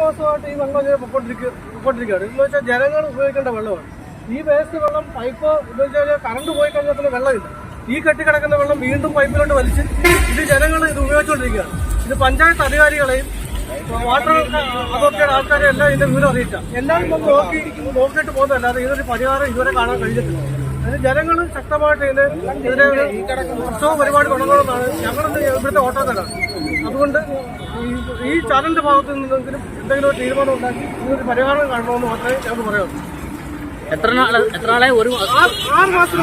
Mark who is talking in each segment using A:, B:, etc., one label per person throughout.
A: മാസമായിട്ട് ഈ വെള്ളം ഇങ്ങനെ പൊക്കോണ്ടിരിക്കുകയാണ്. എന്ന് വെച്ചാൽ ജനങ്ങൾ ഉപയോഗിക്കേണ്ട വെള്ളമാണ്. ഈ വേസ്റ്റ് വെള്ളം പൈപ്പ് എന്ന് വെച്ചാൽ കറണ്ട് പോയി കഴിഞ്ഞാൽ പിന്നെ വെള്ളമില്ല. ഈ കെട്ടിക്കിടക്കുന്ന വെള്ളം വീണ്ടും പൈപ്പിലോട്ട് വലിച്ച് ഇത് ജനങ്ങൾ ഇത് ഉപയോഗിച്ചുകൊണ്ടിരിക്കുകയാണ്. ഇത് പഞ്ചായത്ത് അധികാരികളെയും വാട്ടർ അതോറിറ്റിയുടെ ആൾക്കാരെ എല്ലാം ഇതിന്റെ വിവരം അറിയിച്ച എല്ലാവരും ഒന്ന് നോക്കിയിട്ട് പോകുന്നതല്ലാതെ ഇതൊരു പരിഹാരം ഇതുവരെ കാണാൻ കഴിഞ്ഞിട്ടില്ല. അതിന് ജനങ്ങൾ ശക്തമായിട്ട് ഇതിനെ ഉത്സവ പരിപാടി തുടങ്ങണമെന്നാണ് ഞങ്ങളുടെ ഇവിടുത്തെ ഓട്ടോക്കാരാണ്. അതുകൊണ്ട് ഈ ചാനലിന്റെ ഭാഗത്ത് നിന്നെങ്കിലും എന്തെങ്കിലും ഒരു തീരുമാനം ഉണ്ടാക്കി ഇതിനൊരു പരിഹാരം കാണണമെന്ന് മാത്രമേ ഞങ്ങൾക്ക് പറയാനുള്ളൂ.
B: എത്ര നാളെ? 6 മാസം.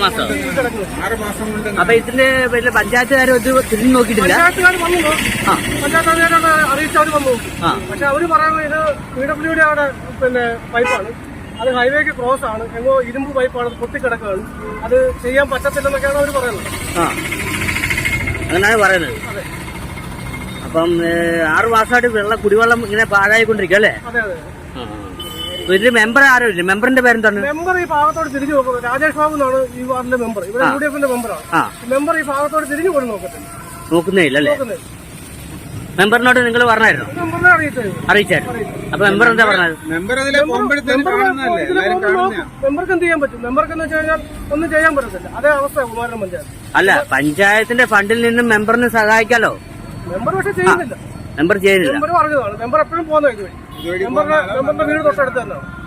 B: അപ്പൊ ഇതിന്റെ പിന്നെ പഞ്ചായത്തുകാർ തിരിഞ്ഞു നോക്കിയിട്ടില്ല.
A: പഞ്ചായത്തുകാരെ അറിയിച്ചവർ വന്നു. പക്ഷെ അവര് പറയുന്നത് ഇത് PWD അവിടെ പിന്നെ പൈപ്പാണ്, അത് ഹൈവേക്ക് ക്രോസ് ആണ്, എങ്ങോ ഇരുമ്പ് പൈപ്പാണ്, പൊട്ടിക്കിടക്കുകയാണ്, അത് ചെയ്യാൻ പറ്റത്തില്ലെന്നൊക്കെയാണ് അവർ പറയുന്നത്.
B: അങ്ങനെയാണ് പറയുന്നത്. അപ്പം 6 മാസമായിട്ട് കുടിവെള്ളം ഇങ്ങനെ പാഴായിക്കൊണ്ടിരിക്കും അല്ലേ?
A: അതെ അതെ.
B: ഇതിന്റെ മെമ്പർ ആരോ ഇല്ല? മെമ്പറിന്റെ പേരെന്താണ്?
A: മെമ്പർ ഈ ഭാഗത്തോട് തിരിഞ്ഞു നോക്കുന്നത് രാജേഷ് ബാബു എന്നാണ് ഈ വാർഡിലെ മെമ്പർ. ഇവിടെ UDF മെമ്പറാണ്. മെമ്പർ ഈ ഭാഗത്തോട് തിരിഞ്ഞു പോലും
B: നോക്കുന്നേ ഇല്ല അല്ലേ? മെമ്പറിനോട് നിങ്ങൾ പറഞ്ഞായിരുന്നു?
A: മെമ്പറിനെ
B: അറിയിച്ചായിരുന്നു. അപ്പൊ മെമ്പർ എന്താ പറഞ്ഞത്?
A: മെമ്പർക്ക് എന്ത് ചെയ്യാൻ പറ്റും? മെമ്പർക്ക് എന്ന് വെച്ച് കഴിഞ്ഞാൽ ഒന്നും ചെയ്യാൻ പറ്റത്തില്ല. അതേ അവസ്ഥ കുമാരൻ പഞ്ചായത്ത്.
B: അല്ല, പഞ്ചായത്തിന്റെ ഫണ്ടിൽ നിന്നും മെമ്പറിന് സഹായിക്കാലോ.
A: മെമ്പർ പക്ഷെ ചെയ്യുന്നില്ല.
B: മെമ്പർ ചെയ്യുന്നില്ല.
A: മെമ്പർ പറഞ്ഞതാണ്. മെമ്പർ എപ്പോഴും പോകുന്ന ഇതുവഴി. മെമ്പറിന്റെ വീട് തൊട്ടടുത്ത് തന്നെയാണ്.